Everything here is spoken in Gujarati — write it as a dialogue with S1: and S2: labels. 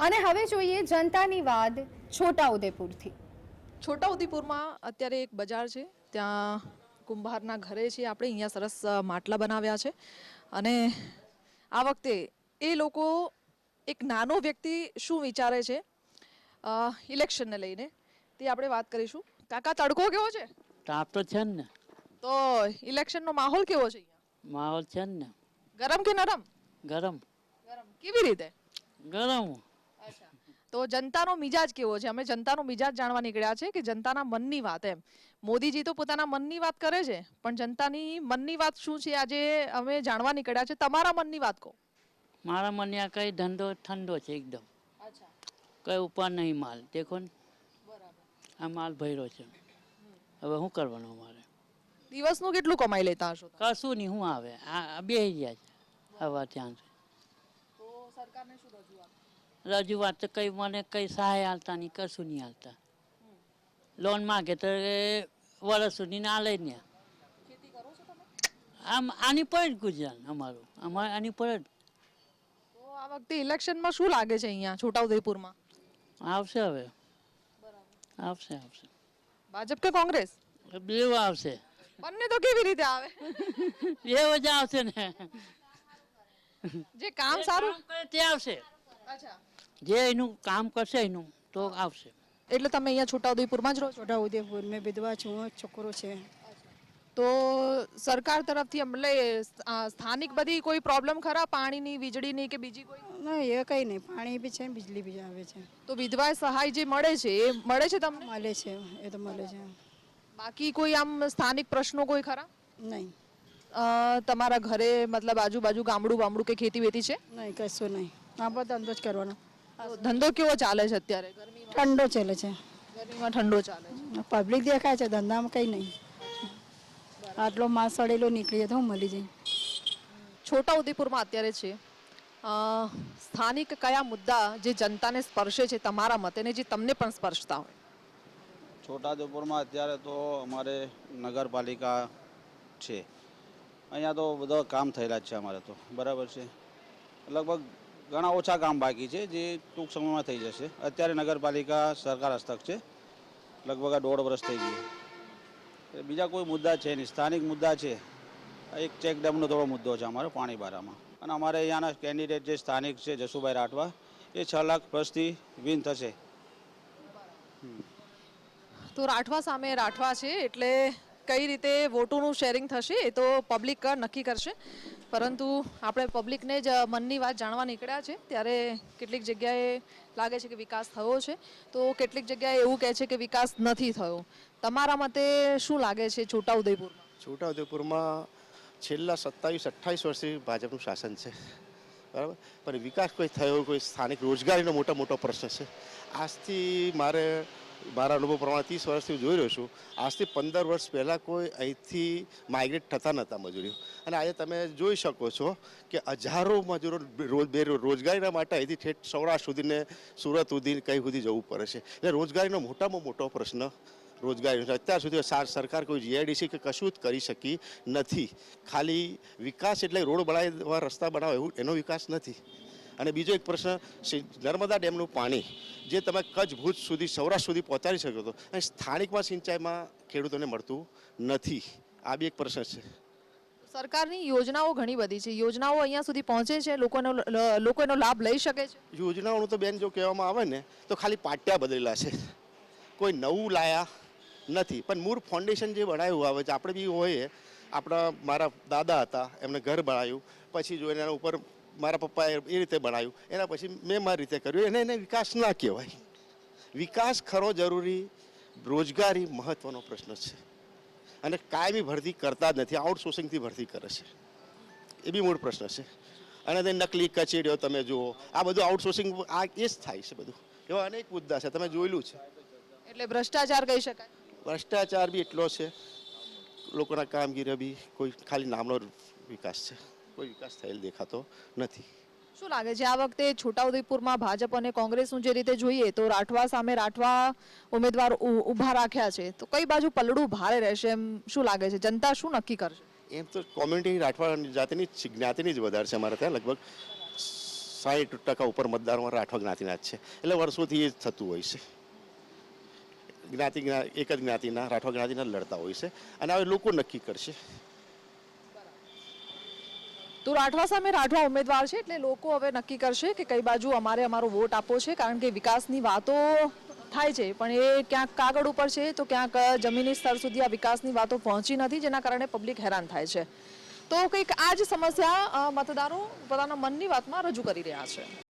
S1: અને હવે જોઈએ જનતાની વાત છોટાઉદેપુરથી.
S2: છોટાઉદેપુરમાં અત્યારે એક બજાર છે, ત્યાં કુંભારના ઘરે છે આપણે, અહીંયા સરસ માટલા બનાવ્યા છે. અને આ વખતે એ લોકો એક નાનો વ્યક્તિ શું વિચારે છે ઇલેક્શનને લઈને તે આપણે વાત કરીશું. કાકા, તડકો કેવો છે?
S3: તાપ તો છે ને.
S2: તો ઇલેક્શનનો માહોલ કેવો છે અહીંયા?
S3: માહોલ છે ને.
S2: ગરમ કે નરમ?
S3: ગરમ.
S2: ગરમ. કેવી રીતે?
S3: ગરમ.
S2: અચ્છા, તો જનતાનો મિજાજ કેવો છે? અમે જનતાનો મિજાજ જાણવા નીકળ્યા છે કે જનતાના મનની વાત એમ. મોદીજી તો પોતાના મનની વાત કરે છે, પણ જનતાની મનની વાત શું છે આજે અમે જાણવા નીકળ્યા છે. તમારા મનની વાત કહો.
S3: મારા મને આ કઈ ધંધો ઠંડો છે એકદમ.
S2: અચ્છા,
S3: કઈ ઉપર નહીં માલ. દેખો ને,
S2: બરાબર.
S3: આ માલ ભર્યો છે. હવે શું કરવાનું અમારે?
S2: દિવસનું કેટલું કમાઈ લેતા હશો?
S3: કશું નહીં. શું આવે? આ બે ગયા છે હવે ત્યાં.
S2: તો સરકારને શું રજૂઆત?
S3: રજૂઆત તો કઈ મને કઈ સહાય હાલતા નહીં, કશું નહીં હાલતા. લોન માગે તો વર્ષ સુધી ના લે ને.
S2: ખેતી કરો છો તમે?
S3: આમ આની પર જ ગુજરાન અમારું. અમારે આની પર જ.
S2: તો આ વખતે ઇલેક્શનમાં શું લાગે છે અહીંયા છોટાઉદેપુરમાં?
S3: આવશે હવે.
S2: બરાબર.
S3: આવશે આવશે.
S2: ભાજપ કે કોંગ્રેસ?
S3: બેવ આવશે.
S2: બંને તો કેવી રીતે આવે?
S3: બેવ જ આવશે ને.
S2: જે કામ સારું
S3: કરે તે આવશે.
S2: અચ્છા,
S3: જે એનું કામ કરશે એનું તો આવશે.
S2: એટલે તમે અહીંયા છોટાઉદેપુરમાં જ રહો છો?
S4: છોટાઉદેપુર મેં વિધવા છું, છોકરો છે.
S2: તો સરકાર તરફથી એટલે સ્થાનિક બધી કોઈ પ્રોબ્લેમ ખરા? પાણીની, વીજળીની કે બીજી કોઈ?
S4: ના, એ કંઈ નહીં. પાણી બી છે, બિજલી બી આવે છે.
S2: તો વિધવા સહાય જે મળે છે એ મળે છે તમને?
S4: મળે છે, એ તો મળે છે.
S2: બાકી કોઈ આમ સ્થાનિક પ્રશ્નો કોઈ ખરા?
S4: નહીં,
S2: તમારા ઘરે મતલબ આજુબાજુ ગામડું બામડું કે ખેતી વેતી છે?
S4: નહીં, કશું નહીં. આપણે ધંધો જ કરવાનો.
S2: તો ધંધો કેવો ચાલે છે અત્યારે? ગરમીમાં?
S4: ઠંડો ચાલે છે.
S2: ગરમીમાં ઠંડો ચાલે છે.
S4: પબ્લિક દેખાય છે, ધંધામાં કંઈ નહીં. આટલો માલ સડેલો નીકળી જાય તો હું મળી જાય.
S2: છોટાઉદેપુરમાં અત્યારે છે સ્થાનિક કયા મુદ્દા જે જનતાને સ્પર્શે છે તમારા મતે, ને જે તમને પણ સ્પર્શતા હોય?
S5: છોટાઉદેપુરમાં અત્યારે તો અમારે નગરપાલિકા છે, અહીંયા તો બધા કામ થયેલા જ છે અમારે તો, બરાબર છે. લગભગ ઘણા ઓછા કામ બાકી છે જે ટૂંક સમયમાં થઈ જશે. અત્યારે નગરપાલિકા સરકાર હસ્તક છે, લગભગ આ 1.5 વર્ષ થઈ ગયું. બીજા કોઈ મુદ્દા છે નહીં. સ્થાનિક મુદ્દા છે, એક ચેક ડેમનો થોડો મુદ્દો છે અમારો પાણીબારામાં. અને અમારે અહીંયાના કેન્ડિડેટ જે સ્થાનિક છે જસુભાઈ રાઠવા, એ 6 લાખ પ્લસથી વિન થશે.
S2: તો રાઠવા સામે રાઠવા છે, એટલે કઈ રીતે વોટોનું શેરિંગ થશે એ તો પબ્લિક નક્કી કરશે. પરંતુ આપણે પબ્લિકને જ મનની વાત જાણવા નીકળ્યા છે. ત્યારે કેટલીક જગ્યાએ લાગે છે કે વિકાસ થયો છે, તો કેટલીક જગ્યાએ એવું કહે છે કે વિકાસ નથી થયો. તમારા મતે શું લાગે છે છોટાઉદેપુરમાં?
S6: છોટાઉદેપુરમાં છેલ્લા 27-28 વર્ષથી ભાજપનું શાસન છે, બરાબર. પણ વિકાસ કોઈ થયો, કોઈ સ્થાનિક રોજગારીનો મોટો પ્રશ્ન છે. આજથી મારા અનુભવ પ્રમાણે 30 વર્ષથી જોઈ રહ્યો છું. આજથી 15 વર્ષ પહેલાં કોઈ અહીંથી માઇગ્રેટ થતા નહોતા મજૂરીઓ. અને આજે તમે જોઈ શકો છો કે હજારો મજૂરો રોજગારીના માટે અહીંથી ઠેઠ સૌરાષ્ટ્ર સુધીને, સુરત સુધી, કઈ સુધી જવું પડે છે. એટલે રોજગારીનો મોટામાં મોટો પ્રશ્ન રોજગારી. અત્યાર સુધી સરકાર કોઈ જીઆઈડીસી કે કશું જ કરી શકી નથી. ખાલી વિકાસ એટલે રોડ બનાવવા, રસ્તા બનાવવા, એવું એનો વિકાસ નથી. અને બીજો એક પ્રશ્ન, નર્મદા ડેમનું પાણી જે તમે કચ્છ, ભુજ સુધી, સૌરાષ્ટ્ર સુધી પહોંચાડી શકો છો, અને સ્થાનિકમાં સિંચાઈમાં ખેડૂતોને મળતું નથી. આ બી એક પ્રશ્ન છે.
S2: સરકારની યોજનાઓ ઘણી બધી છે, યોજનાઓ અહીંયા સુધી પહોંચે છે? લોકો એનો લાભ લઈ શકે છે?
S6: યોજનાઓનું તો બેન જો કહેવામાં આવે ને તો ખાલી પાટિયા બદલેલા છે, કોઈ નવું લાયા નથી. પણ મૂળ ફાઉન્ડેશન જે બનાવ્યું આવે છે, આપણે બી હોય, મારા દાદા હતા, એમને ઘર બનાવ્યું, પછી જો એના ઉપર મારા પપ્પાએ એ રીતે બનાવ્યું, એના પછી મેં મારી રીતે કર્યું. એને વિકાસ ના કહેવાય. વિકાસ ખરો જરૂરી, રોજગારી મહત્ત્વનો પ્રશ્ન છે. અને કાયમી ભરતી કરતા જ નથી, આઉટસોર્સિંગથી ભરતી કરે છે, એ બી મૂળ પ્રશ્ન છે. અને તે નકલી કચેરીઓ તમે જુઓ, આ બધું આઉટસોર્સિંગ આ એ જ થાય છે. બધું એવા અનેક મુદ્દા છે, તમે જોયેલું છે.
S2: એટલે ભ્રષ્ટાચાર કહી શકાય?
S6: ભ્રષ્ટાચાર બી એટલો છે, લોકોના કામગીરી બી કોઈ ખાલી નામનો વિકાસ છે, કોઈ વિકાસ થયેલ દેખાતો નથી.
S2: શું લાગે છે આ વખતે છોટાઉદેપુરમાં ભાજપ અને કોંગ્રેસનું જે રીતે જોઈએ તો રાઠવા સામે રાઠવા ઉમેદવાર ઊભા રાખ્યા છે, તો કઈ બાજુ પલડું ભારે રહેશે એમ શું લાગે છે? જનતા શું નક્કી કરશે?
S6: એમ તો કોમ્યુનિટી રાઠવા જાતિની જ્ઞાતિની જ વધારે છે અમારે ત્યાં. લગભગ 60% ઉપર મતદારો રાઠવા જ્ઞાતિના જ છે. એટલે વર્ષોથી એ થતું હોય છે. એક જ જ્ઞાતિના રાઠવા જ્ઞાતિના લડતા હોય છે અને હવે લોકો નક્કી કરશે.
S2: તો રાઠવા સામે રાઠવા ઉમેદવાર છે એટલે લોકો હવે નક્કી કરશે કે કઈ બાજુ અમારે અમારો વોટ આપવો છે, કારણ કે વિકાસની વાતો થાય છે પણ એ ક્યાંક કાગળ ઉપર છે તો ક્યાંક જમીની સ્તર સુધી આ વિકાસની વાતો પહોંચી નથી, જેના કારણે પબ્લિક હેરાન થાય છે. તો કંઈક આ જ સમસ્યા મતદારો પોતાના મનની વાતમાં રજૂ કરી રહ્યા છે.